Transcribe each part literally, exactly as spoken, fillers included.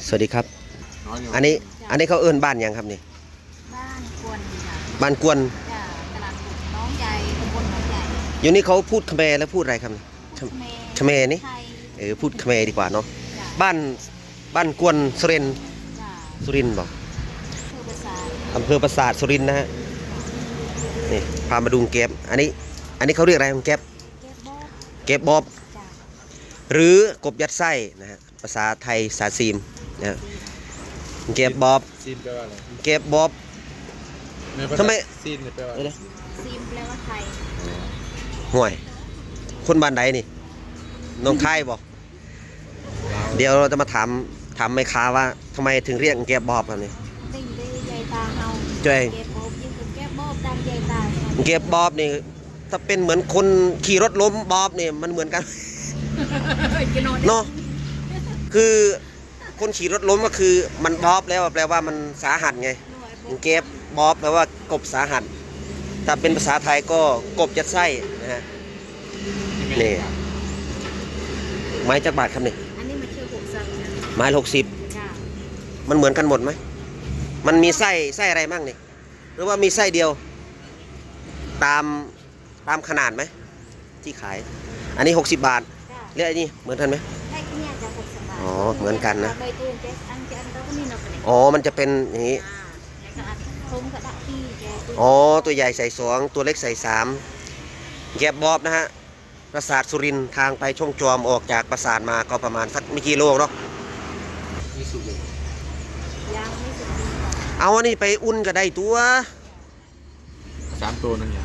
สวัสดีครับอันนี้อันนี้เขาเอิ้นบ้านยังครับนี่บ้านกวนจ้ะบ้านกวนจ้ะตลาดน้องใหญ่ตำบลน้องใหญ่อยู่นี่เขาพูดเขมรแล้วพูดอะไรครับนี่เขมรนี่ไทยเออพูดเขมรดีกว่าเนาะจ้ะบ้านบ้านกวนสุรินทร์จ้ะสุรินทร์บอกคือภาษาอำเภอปราสาทสุรินทร์นะฮะนี่พามาดูแก๊บอันนี้อันนี้เขาเรียกอะไรแก๊บเก็บบอบแก๊บบอบจ้ะหรือกบยัดไส้นะฮะภาษาไทยภาษาซีมนะแก๊บบอบซีนแปลว่าอะไรแก๊บบอบทำไมซีนแปลว่าอะไรซีมแปลว่าไทยห่วยคนบ้านใดนี่น้องคายบอกเดี๋ยวเราจะมาถามถามแม่ค้าว่าทำไมถึงเรียกแก๊บบอบครับนี่ได้ได้ใหญ่ตาเฮาจ้อยเก็บบอบยิ่งคือแก็บบอบตามใหญ่ตาแก๊บบอบนี่ถ้าเป็นเหมือนคนขี่รถล้มบอบนี่มันเหมือนกันเนาะคือคนขี่รถล้มก็คือมันบอบแล้วแปลว่ามันสาหัสไงแก๊บบอบแปลว่ากบสาหัสถ้าเป็นภาษาไทยก็กบยัดไส้นะฮะนี่ไม้จักบาทครับนี่อันนี้มันชื่อหกสังจ้ะไม้หกสิบจ้ะมันเหมือนกันหมดไหมมันมีไส้ไส้อะไรบ้างนี่หรือว่ามีไส้เดียวตามตามขนาดไหมที่ขายอันนี้หกสิบบาทเรียกอันนี้เหมือนกันไหมใช่เนี่ยจะหกสิบบาทอ๋อเหมือนกันนะใบตูนเจ๊อันเจ๊อันเราก็มีเนาะกันอ๋อมันจะเป็นอย่างนี้แล้วก็อัดทงกระดาษที่แกอ๋อตัวใหญ่ใส่สองตัวเล็กใส่สามแก็บบอบนะฮะปราสาทสุรินทร์ทางไปช่องจอมออกจากปราสาทมาก็ประมาณสักไม่กี่โลเนาะมีสุกเลยยังไม่สุดเอาอันนี้ไปอุ่นก็ได้ตัวสามตัวนั่นอย่าง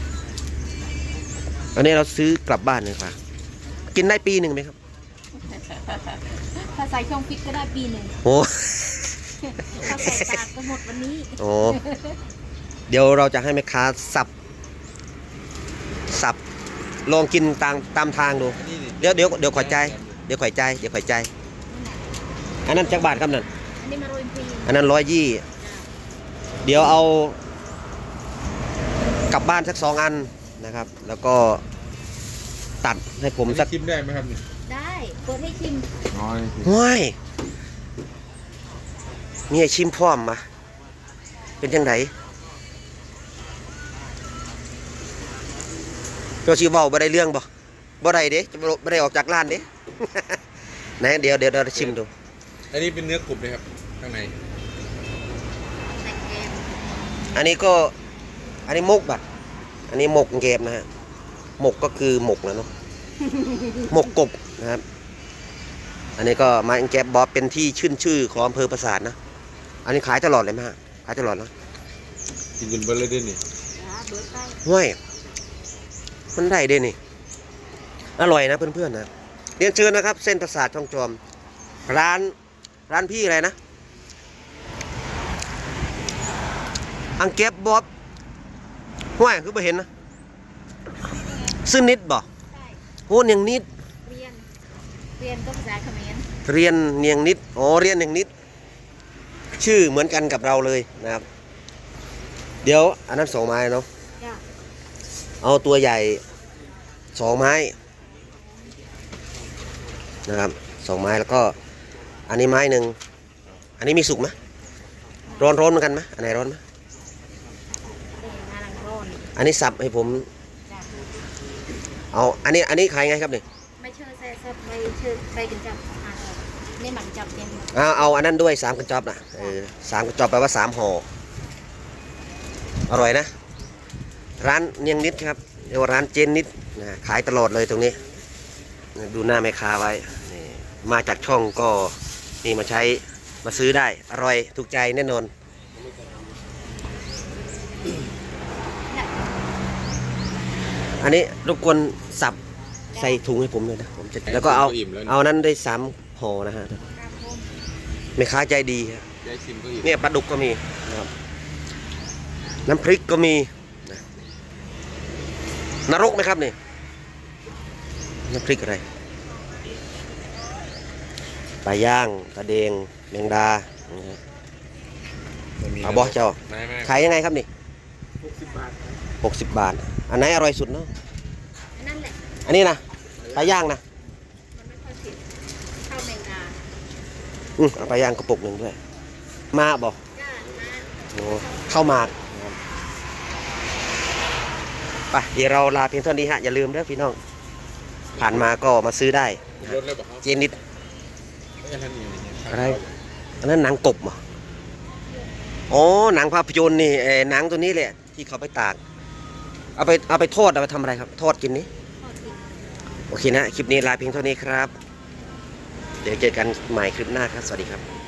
อันนี้เราซื้อกลับบ้านเลยค่ะกินได้ปีหนึ่งไหมครับถ้าใส่ช่องฟิตก็ได้ปีหนึ่งโอ้ถ้าใส่ตากก็หมดวันนี้โอ้เดี๋ยวเราจะให้แม่ค้าสับสับลองกินตามตามทางดูเดี๋ยวเดี๋ยวเดี๋ยวขอใจเดี๋ยวขอใจเดี๋ยวขอใจอันนั้นจักบาทครับนั่นอันนี้มาโรยพีอันนั้นร้อยยี่เดี๋ยวเอากลับบ้านสักสองอันนะครับแล้วก็ตัดให้ผมสักชิมได้ไหมครับนี่ได้เปิดให้ชิมน้อยว้ายมีให้ชิมพร้อมมาเป็นยังไงโยชิเว้าบ่ได้เรื่องบ่บ่ได้เด้จะบ่ได้ออกจากร้านเด้ ไหนเดี๋ยวเดี๋ยวเราชิมดูอันนี้เป็นเนื้อกรุบเลยครับข้างในอันนี้ก็อันนี้มกบัดอันนี้หมกเกมนะฮะหมกก็คือหมกนะเนาะหมกกบนะครับอันนี้ก็มาแกบบอบเป็นที่ชื่นชื่อของอำเภอปราสาทนะอันนี้ขายตลอดเลยไหมฮะขายตลอดนะกินจนเบลเลยด้วยนี่ห้วยมันได้ด้วยนี่อร่อยนะเพื่อนๆนะเรียนเชิญนะครับเส้นปราสาทช่องจอมร้านร้านพี่อะไรนะอังแกบบอบห้วยคือไปเห็นนะซึ่งนิดบ่โหเนียงนิดเรียนเรียนก็ภาษาเขมรเรียนเนียงนิดอ๋อเรียนเนียงนิดชื่อเหมือนกันกับเราเลยนะครับเดี๋ยวอันนั้นสองไม้เนาะเอาตัวใหญ่สองไม้นะครับสองไม้แล้วก็อันนี้ไม้หนึ่งอันนี้มีสุกไหมร้อนร้อนเหมือนกันไหมอันไหนร้อนไหมอันนี้สับให้ผมเอาอันนี้อันนี้ขายไงครับเนี่ยไม่เชื่อแซ่บไม่เชื่อไปกินจับนี่หมักจับเต็มเอาเอาอันนั้นด้วยสามกระจอบนะเออสามกระจอบแปลว่าสามห่ออร่อยนะร้านเนียงนิดครับเรียกว่าร้านเจนนิดนะขายตลอดเลยตรงนี้ดูหน้าแม่ค้าไว้นี่มาจากช่องก็นี่มาใช้มาซื้อได้อร่อยถูกใจแน่นอนอันนี้รบกวนสับใส่ถุงให้ผมเลยนะผมจะแล้วก็เอาเอานั้นได้สามห่อนะฮะแม่ค้าใจดีเนี่ยปลาดุกก็มีนะครับน้ำพริกก็มีนรกไหมครับนี่น้ำพริกอะไรปลาย่างปลาเดงแมงดาเอาบอเจ้าขายยังไงครับนี่หกสิบบาทหกสิบบาทอันไหนอร่อยสุดเนาะอันนี้นะปลาย่างนะมันไม่ค่อยเผ็ดข้าวแมงดาอืมเอาไปย่างกระปุกหนึ่งด้วย มาบอกจ้ามาโอ้เข้ามาไปเดี๋ยวเราลาเพียงเท่านี้ฮะ อย่าลืมเด้อพี่น้อง ผ่านมาก็มาซื้อได้นะรฮะถเลยบอกเขาเจนิดไม่อันนั้นอีกเนี่ยอะไร อันนั้นหนังกบเหรออ๋อ หนังภาพยนตร์นี่เออหนังตัวนี้แหละที่เขาไปตาก เอาไปเอาไปทอดเอาไปทำอะไรครับ ทอดกินนี้ทอดกินโอเคนะ คลิปนี้ลาเพียงเท่านี้ครับ เดี๋ยวเจอกันใหม่คลิปหน้าครับ สวัสดีครับ